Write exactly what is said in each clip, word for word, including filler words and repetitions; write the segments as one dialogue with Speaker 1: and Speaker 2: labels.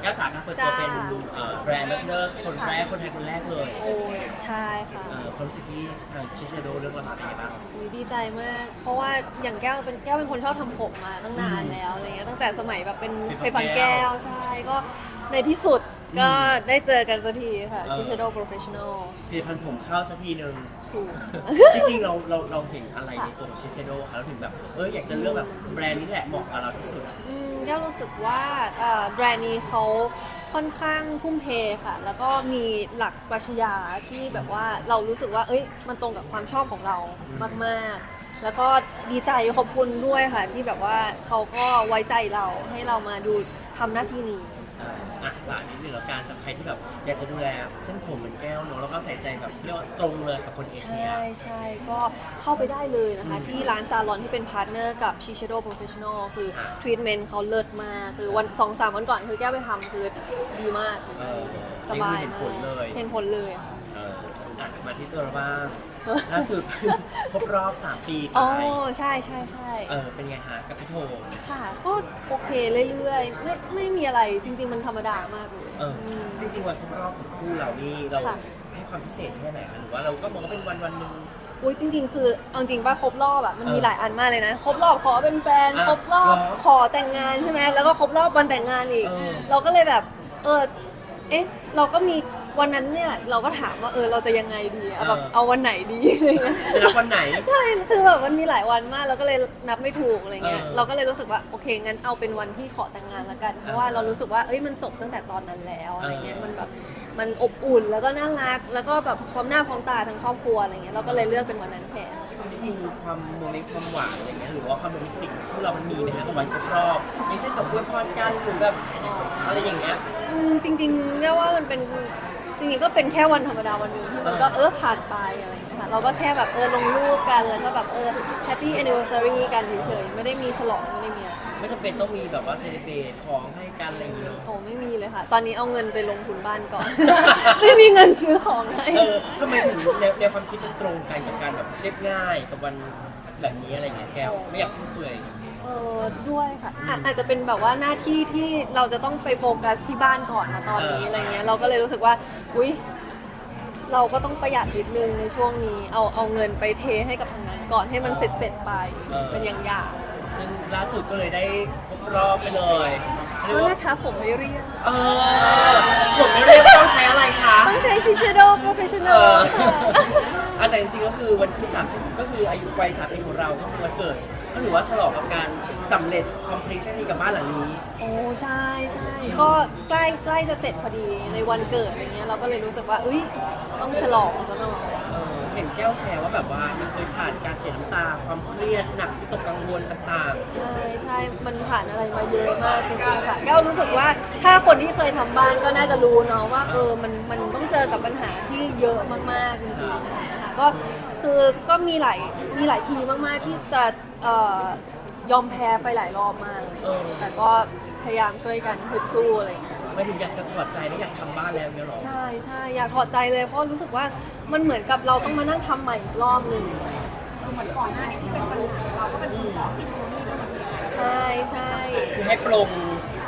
Speaker 1: ก้วจ๋าก็เปิดตัวเป็นแบรนด์แอมบาสเดอร์คนแรกคนไทยคนแรกเลย
Speaker 2: โอ้ใช่ค่ะ
Speaker 1: ความรู้สึกที่ทางชิเซโดเรื่องราวเป็นยังไงบ้าง
Speaker 2: ดีใจมาก เพราะว่าอย่างแก้วเป็นแก้วเป็นคนชอบทำผมมาตั้งนานแล้วอะไรเงี้ยตั้งแต่สมัยแบบเป็นเคยฟังแก้วใช่ก็ในที่สุดก็ได้เจอกันสักทีค่ะชิเซโดโปรเฟชชั่นอล
Speaker 1: ผลิตภัณฑ์ผมเข้าสักทีหนึ่ง
Speaker 2: ถูก
Speaker 1: จริงๆเราเราเราเห็นอะไรในตัวชิเซโดคะเราถึงแบบเอออยากจะเลือกแบบแบรนด์นี้แหละเหมาะกับเราที่สุด
Speaker 2: แก้วรู้สึกว่าแบรนด์นี้เขาค่อนข้างทุ่มเทค่ะแล้วก็มีหลักปรัชญาที่แบบว่าเรารู้สึกว่าเอ้ยมันตรงกับความชอบของเรามากๆแล้วก็ดีใจขอบคุณด้วยค่ะที่แบบว่าเขาก็ไว้ใจเราให้เรามาดูทำหน้าที่นี้
Speaker 1: อ่ะฝากนิดนึงแล้วการสำหรับใครที่แบบอยากจะดูแลเส้นผมเหมือนแก้วเนาะแล้วก็ใส่ใจแบบเรียกว่าตรงเลยกับคนเอเชีย
Speaker 2: ใช่ใช่ก็เข้าไปได้เลยนะคะที่ร้านซาลอนที่เป็นพาร์ทเนอร์กับ Shiseido Professional คือทรีทเมนต์เขาเลิศมากคือวันสองสามวันก่อนคือแก้วไปทำคือดีมากสบายมากเห็นผลเลยค่ะ
Speaker 1: มาที่ตัวเราบ้างล่าสุดครบรอบสามปี
Speaker 2: อ๋อใช่ใช่ใช่
Speaker 1: เออเป็นไงฮะกับพี่โท
Speaker 2: ค่ะก็โอเคเรื่อยๆไม่ไม่มีอะไรจริงๆมันธรรมดามากเลย
Speaker 1: เออจริงๆวันครบรอบของคู่เรานี่เราให้ความพิเศษแค่ไหนหรือว่าเราก็มองว่าเป็นวันวันหนึ่ง
Speaker 2: อุ้ยจริงๆคือเอาจริงป่ะครบรอบอ่ะมันมีหลายอันมากเลยนะครบรอบขอเป็นแฟนครบรอบขอแต่งงานใช่ไหมแล้วก็ครบรอบวันแต่งงานอีกเราก็เลยแบบเออเอ๊ะเราก็มีวันนั้นเนี่ยเราก็ถามว่าเออเราจะยังไงดีแบบเอาวันไหนดีอะไรเงี้ย
Speaker 1: จะนับวันไหน
Speaker 2: ใช่คือแบบมันมีหลายวันมากเราก็เลยนับไม่ถูกอะไรเงี้ยเราก็เลยรู้สึกว่าโอเคงั้นเอาเป็นวันที่ขอแต่งงานละกันเพราะว่าเรารู้สึกว่าเอ้ยมันจบตั้งแต่ตอนนั้นแล้วอะไรเงี้ยมันแบบมันอบอุ่นแล้วก็น่ารักแล้วก็แบบพร้อมหน้าพร้อมตาทั้งครอบครัวอะไรเงี้ยเราก็เลยเลือกเป็นวันนั้นแทน
Speaker 1: จริงๆความโมเมนต์ความหวานอะไรเงี้ยหรือว่าความโรแมนติกของเรามันมีไหมฮะกับวันครบรอบอย่างเช่นกับอวยพรกันหรือแบบอะไรอย่างเงี้ย
Speaker 2: จริงๆเรียกว่ามันเป็นจริงๆก็เป็นแค่วันธรรมดาวันหนึ่งที่มันก็เออผ่านไปอะไรอย่างเงี้ยค่ะเราก็แค่แบบเออลงรูปกันแล้วก็แบบเออ Happy Anniversary กันเฉยๆไม่ได้มีฉลองไม่ได้มี
Speaker 1: ไม่จำเป็นต้องมีแบบว่าเซเลบเรตของให้กันอะไรอย่างเงี้ย
Speaker 2: โอ้ไม่มีเลยค่ะตอนนี้เอาเงินไปลงทุนบ้านก่อน ไม่มีเงินซื้อของให้
Speaker 1: เออทำไมถึงแนวแนวความคิดมันตรงกันกับการแบบเรียบง่ายกับวันแบบนี้อะไรเงี้ยแก้วไม่อยากฟุ่มเฟือย
Speaker 2: เออด้วยค่ะอาจจะเป็นแบบว่าหน้าที่ที่เราจะต้องไปโฟกัสที่บ้านก่อนนะตอนนี้อะไรเงี้ยเราก็เลยรู้สึกว่าอุ้ยเราก็ต้องประหยัดนิดนึงในช่วงนี้เอาเอาเงินไปเทให้กับทางนั้นก่อนให้มันเสร็จเสร็จไปเป็นอย่างอย่าง
Speaker 1: ซึ่งล่าสุดก็เลยได้ครบรอบไปเลย
Speaker 2: แล้วนะคะผมไม่เรียก
Speaker 1: เออผมไม่เรียกต้องใช้อะไรคะ
Speaker 2: ต้องใช้ Shiseido Professional
Speaker 1: ค่ะแต่จริงๆก็คือวันที่สามสิบก็คืออายุวัยสามปีของเราก็คือวันเกิดก็ถือว่าฉลองกับการสำเร็จ completion นี้กับบ้านหลังนี้
Speaker 2: โอ้ใช่ใช่ก็ใกล้ใกล้จะเสร็จพอดีในวันเกิดอะไรเงี้ยเราก็เลยรู้สึกว่าอุ้ยต้องฉลองซะหน่อย
Speaker 1: เห็นแก้วแชร์ว่าแบบว่ามันเคยผ่านการเสียน้ำตาความเครียดหนักที่ตกกังวลต่าง
Speaker 2: ๆใช่ใช่มันผ่านอะไรมาเยอะมากจริงๆค่ะแก้วรู้สึกว่าถ้าคนที่เคยทำบ้านก็น่าจะรู้เนาะว่าเออมันมันต้องเจอกับปัญหาที่เยอะมากๆจริงๆนะคะก็คือก็มีหลายมีหลายทีมากๆที่จะเอ่อยอมแพ้ไปหลายรอบมากเลยแต่ก็พยายามช่วยกันฮึดสู้อะไรอย่างเงี้ย
Speaker 1: ไม่ถึงอยากจะถอดใจและอยากทำบ้านแล้วเนี่ยหรอ
Speaker 2: ใช่ใช่อยากถอดใจเลยเพราะรู้สึกว่ามันเหมือนกับเราต้องมานั่งทำใหม่อีกรอบหนึ่ง
Speaker 3: เหมือนก่อนหน้านี้ที่เป็นปัญหาเราก็เป็นคนบอกที่โทนี่ก็แบบ
Speaker 2: ใช่ใช่
Speaker 1: คือให้ปรุง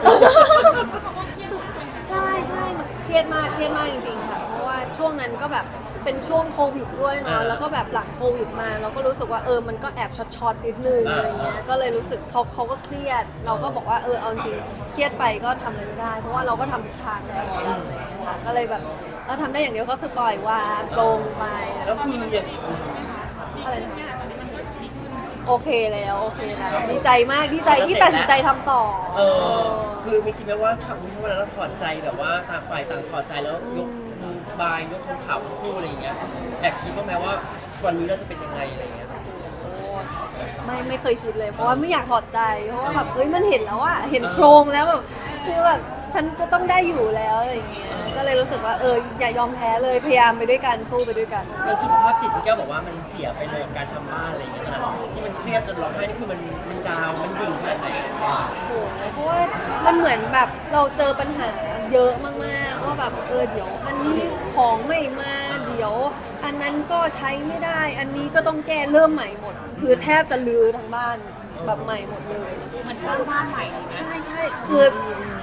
Speaker 2: ใช่ใช่เครียดมากเครียดมากจริงๆค่ะเพราะว่าช่วงนั้นก็แบบเป็นช่วงโควิดด้วยเนาะแล้วก็แบบหลังโควิดมาเราก็รู้สึกว่าเออมันก็แอบช็อตๆนิดนึงอะไรเงี้ยก็เลยรู้สึกเขาเขาก็เครียดเราก็บอกว่าเออเอาจริงเครียดไปก็ทำอะไรไม่ได้เพราะว่าเราก็ทำทุกทางแล้วเหมือนกันเลยค่ะก็เลยแบบเราทำได้อย่างเดียวก็คือปล่อยวางโปร่งไป
Speaker 1: แล้วคืออย่าง
Speaker 2: อะไรโอเคแล้วโอเคนะดีใจมากดีใจที่ตัดสินใจทำต่อ
Speaker 1: เออคือไม่คิดไหมว่าทำเมื่อวันนั้นเราถอดใจแบบว่าต่างฝ่ายต่างถอดใจแล้วยกมือบายยกธงขาวคู่อะไรอย่างเงี้ยแอบคิดว่าแม้ว่าวันนี้เราจะเป็นยังไงอะไรเงี้ย
Speaker 2: ไม่ไม่เคยคิดเลยเพราะว่าไม่อยากถอดใจเพราะว่าแบบเฮ้ยมันเห็นแล้วอะเห็นโครงแล้วแบบคือแบบฉันจะต้องได้อยู่แล้วอะไรอย่างเงี้ยก็เลยรู้สึกว่าเอออย่ายอมแพ้เลยพยายามไปด้วยกันสู้ไปด้วยกัน
Speaker 1: แล้วสุขภาพจิตที่แก้วบอกว่ามันเสียไปเลยการทำบ้านอะไรอย่างเงี้ยนะที่มันเครียดจนร้องไห้นี่คือมันมันดาวมันดิ่งแค่ไหน
Speaker 2: โอ้โหเพราะว่ามันเหมือนแบบเราเจอปัญหาเยอะมากๆว่าแบบเออเดี๋ยวอันนี้ของไม่มาเดี๋ยวอันนั้นก็ใช้ไม่ได้อันนี้ก็ต้องแก้เริ่มใหม่หมดคือแทบจะลื้อทั้งบ้านแบบใหม่หมดเลย
Speaker 3: เหมือนสร้างบ้านใหม่
Speaker 2: ใช่ใช่คือ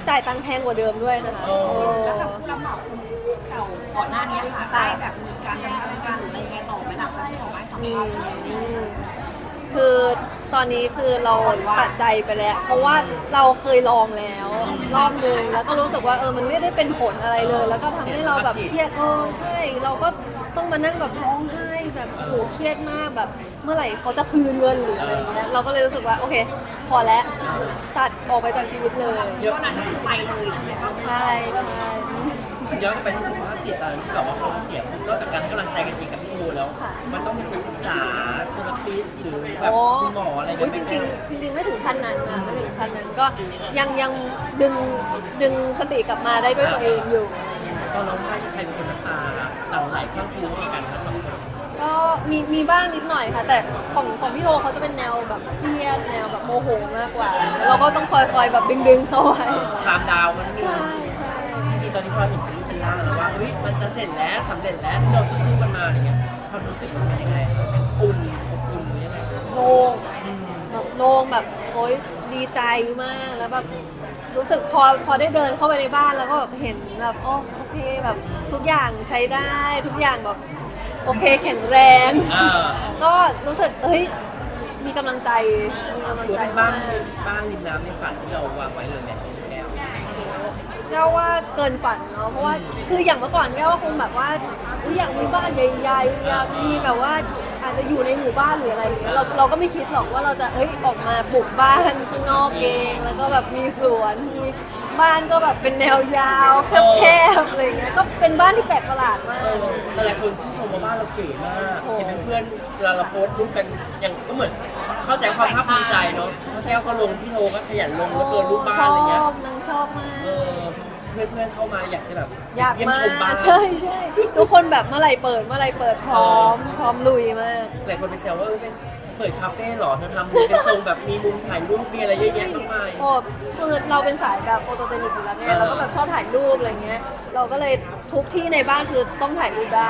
Speaker 2: จ่ายตังค์แพงกว่าเดิมด้วยนะคะ
Speaker 1: โอ้
Speaker 2: โอ้
Speaker 3: แล้วกับผู้รับเหมาคนเก่าก่อนหน้านี้ค่ะได้แบบมีการดำเนินการหรืออะไรยังไงต่อไหมล่ะที่บอกว่าสัม
Speaker 2: อื
Speaker 3: ภาษณ์
Speaker 2: มคือตอนนี้คือเราตัดใจไปแล้ว เพราะว่าเราเคยลองแล้ว รอบนึงแล้วก็รู้สึกว่าเออมันไม่ได้เป็นผลอะไรเลย แล้วก็ทำให้เราแบบเครียดเออใช่เราก็ต้องมานั่งแบบร้องไห้แบบโหเครียดมากแบบเมื่อไหร่เขาจะคืนเงินหรืออะไรเงี้ยเราก็เลยรู้สึกว่าโอเค พอแล้วตัดออกไปจากชีวิตเลย
Speaker 1: เดี๋ยว
Speaker 3: ตอนนั้นคือไปเลยใช่ไหมคะ
Speaker 2: ใช่ใช่
Speaker 1: ย้อนกลับไปที่สุขภาพจิตตอนนั้นที่แบบว่าพอเราเสียปุ๊บนอกจากการให้กำลังใจกันเองกับพี่โอแล้ว มันต้องมีปรึกษาเทอราปิสหรือแบบคุณหมออะไร
Speaker 2: โอ้
Speaker 1: กัน
Speaker 2: ย
Speaker 1: ไห
Speaker 2: จ
Speaker 1: ม
Speaker 2: ริงๆจริงๆไม่ถึงขั้นนั้นนะไม่ถึงขั้นนั้นก็ยังยังดึงดึงสติกลับมาได้ด้วยตัวเองอยู่อะไรเงี้ย
Speaker 1: ตอนร้องไห้ที่ใครเป็นคนน้ำตาหลั่งไหลข้างคูให้กันทั้งสองคน
Speaker 2: ก็มีมีบ้างนิดหน่อยค่ะ แต่ของของพี่โรเขาจะเป็นแนวแบบเครียดแนวแบบโมโหมากกว่าแล้วเราก็ต้องคอยคอยแบบดึงดึงๆเขาไว้
Speaker 1: คามดาวมันนี่
Speaker 2: ใช่ใช่
Speaker 1: จริงๆตอนนี้พอเห็นเป็นรูปเป็นร่างแล้วว่าเฮ้ยมันจะเสร็จแล้วสำเร็จแล้วที่เราสู้ๆกันมาอะไรเงี้ยความรู้สึกมันเป็นยังไงอุ่นอบอุ่นหรือยังไง
Speaker 2: โล่งแบบโล่งแบบโอ๊ยดีใจมากแล้วแบบรู้สึกพอพอได้เดินเข้าไปในบ้านแล้วก็แบบเห็นแบบโอ้โอเคแบบทุกอย่างใช้ได้ทุกอย่างแบบโอเคแข็งแรง
Speaker 1: อ่า
Speaker 2: ก็รู้สึกเอ้ยมีกำลังใจมีกำลัง
Speaker 1: คือ
Speaker 2: ใจ
Speaker 1: เป็น
Speaker 2: มา
Speaker 1: บ้าน
Speaker 2: ก
Speaker 1: บ้านริมน้ำในฝันที่เราวางไว้เลยเนี่ยแก้ว
Speaker 2: แก้วว่าเกินฝันเนาะเพราะว่าคืออย่างเมื่อก่อนแก้วว่าคงแบบว่าอุ๊ยอยากมีบ้านใหญ่ๆอยากมีแบบว่าอาจจะอยู่ในหมู่บ้านหรืออะไรอย่างเงี้ยเราเราก็ไม่คิดหรอกว่าเราจะเอ้ยออกมาปลูกบ้านข้างนอกเองแล้วก็แบบมีสวนมีบ้านก็แบบเป็นแนวยาวแคบๆอะไรอย่างเงี้ยก็เป็นบ้านที่แปลกประหลาดมาก
Speaker 1: เออแต่หลายคนชื่นชมว่าบ้านเราเก๋มาก
Speaker 2: โอ้
Speaker 1: เห็นเพื่อนๆเวลาเราโพสต์รูปกันอย่างก็เหมือนเข้าใจความภาคภูมิใจเนาะเพราะแก้วก็ลงพี่โทก็ขยันลงแล้วเกินรูปบ้านอะไรเงี้ย
Speaker 2: ชอบนางชอบมาก
Speaker 1: เออเพื่อนๆเข้ามาอยากจะแบบ
Speaker 2: อยาก
Speaker 1: เยี่ยม
Speaker 2: มา
Speaker 1: ชมบ้าน
Speaker 2: ใช่ใช่ทุกคนแบบเมื่อไหร่เปิดเมื่อไหร่เปิดพร้อม พร้อมลุยมาก
Speaker 1: หลายคนเป็นแซวว่าเออเป็นเปิดคาเฟ่เหรอเธอทำเป็นทรงแบบมีมุมถ่ายรูปมีอะไรเยอะแยะมากมาย
Speaker 2: โอ้คือเราเป็นสายแบบโฟโตเจนิกอยู่แล้วไง
Speaker 1: เออ
Speaker 2: เราก็แบบชอบถ่ายรูปอะไรเงี้ย เราก็เลยทุกที่ในบ้านคือต้องถ่ายรูปได้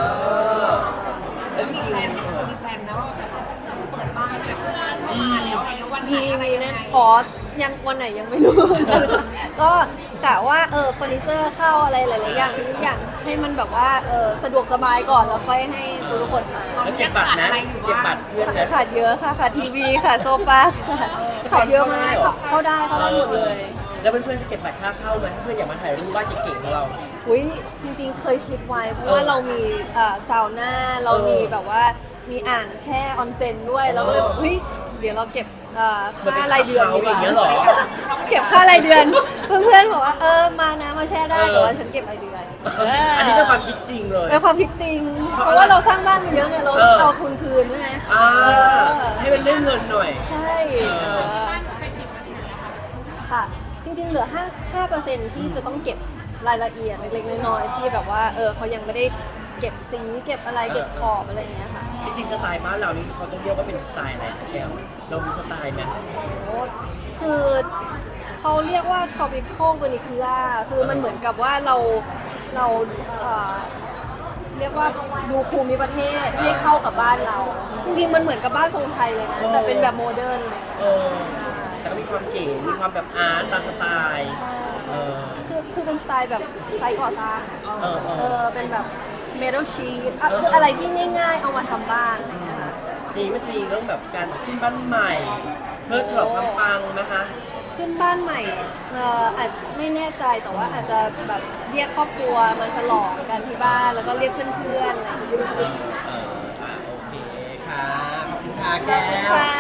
Speaker 1: แล้วจริง
Speaker 3: แฟน
Speaker 1: ๆเออ
Speaker 3: มีแฟนแล้วจะเปิดบ้านแบบเข้ามาแล้วอะไรแล้ววันไหน
Speaker 2: มี
Speaker 3: อะไร
Speaker 2: มี
Speaker 3: ยังไง
Speaker 2: แน่อ๋อยังวันไหนยังไม่รู้เหมือนกันค่ะก็กะว่าเออเฟอร์นิเจอร์เข้าอะไรหลายๆอย่างทุกอย่างให้มันแบบว่าเออสะดวกสบายก่อนแล้วค่อยให้ทุกคนมา
Speaker 1: แล้วเก็บบัตรนะเก็บบัตรเพื่อนนะ
Speaker 2: ขาดเยอะค่ะขาดทีวีค่ะโซฟาค่ะขาดเยอะมากเข้าได้เข้าได้หมดเลย
Speaker 1: แล้วเพื่อนๆจะเก็บบัตรค่าเข้าไหมถ้าเพื่อนอยากมาถ่ายรูปบ้านเก๋ๆของเรา
Speaker 2: อุ้ยจริงๆเคยคิดไว้เพราะว่าเรามีเอ่อซาวน่าเรามีแบบว่ามีอ่างแช่ออนเซ็นด้วยเราก็เลยแบบเฮ้ยเดี๋ยวเราเก็บเอ่อค่ารายเดือนดีกว่า
Speaker 1: เหมือนเป็นค่าเขาอย่างเงี้ยเหรอ
Speaker 2: เก็บค่ารายเดือน เพื่อนๆบอกว่าเออมานะมาแช่ได้แต่ว่าฉันเก็บรายเดือน
Speaker 1: อันนี้เป็นความคิดจริงเลย
Speaker 2: เป็นความคิดจริง
Speaker 1: เพ
Speaker 2: เพ
Speaker 1: ราะ
Speaker 2: ราะว่าเราสร้างบ้านมาเยอะไงเรา
Speaker 1: เออ
Speaker 2: เอาทุนคืนใช่ไหม
Speaker 1: อ่า
Speaker 2: เออ
Speaker 1: ให้มันได้เงินหน่อย
Speaker 2: ใช่เออค่ะ จริงๆเหลือห้าห้าเปอร์เซ็นที่จะต้องเก็บรายละเอียดเล็กๆน้อยๆที่แบบว่าเออเขายังไม่ได้เก็บสีเก็บอะไรเก็บขอบอะไรอย่างเงี้ยค่ะ
Speaker 1: จริงๆสไตล์บ้านเรานี่เขาต้องเรียกว่าเป็นสไตล์อะไรคะแก้วเรามีสไตล์ไหม
Speaker 2: โอ้คือเขาเรียกว่า tropical vernacular คือมันเหมือนกับว่าเราเราเอ่อเรียกว่าดูภูมิประเทศให้เข้ากับบ้านเรา จริงๆมันเหมือนกับบ้านทรงไทยเลยนะ แต่เป็นแบบโมเดิร์นเลย
Speaker 1: เออแต่ก็มีความเก๋ มีความแบบอาร์ตตามสไตล์ เออ
Speaker 2: คือคือเป็นสไตล์แบบไซต์ก่อสร้าง
Speaker 1: เออเออ
Speaker 2: เออเป็นแบบ metal sheet อ่ะคืออะไรที่ง่ายๆ เอามาทำบ้านอะไรอย่างเงี้ยค่ะ
Speaker 1: นี่มันจะมีเรื่องแบบการขึ้นบ้านใหม่ เพื่อฉลองความปังนะคะ
Speaker 2: ขึ้นบ้านใหม่เอ่ออาจไม่แน่ใจแต่ว่าอาจจะแบบเรียกครอบครัวมาฉลองกันที่บ้านแล้วก็เรียกเพื่อนๆอะไรอย่างเงี้ย
Speaker 1: เอออ่ะโอเคค่ะ ขอบคุณค่ะแก้ว
Speaker 2: ค่ะ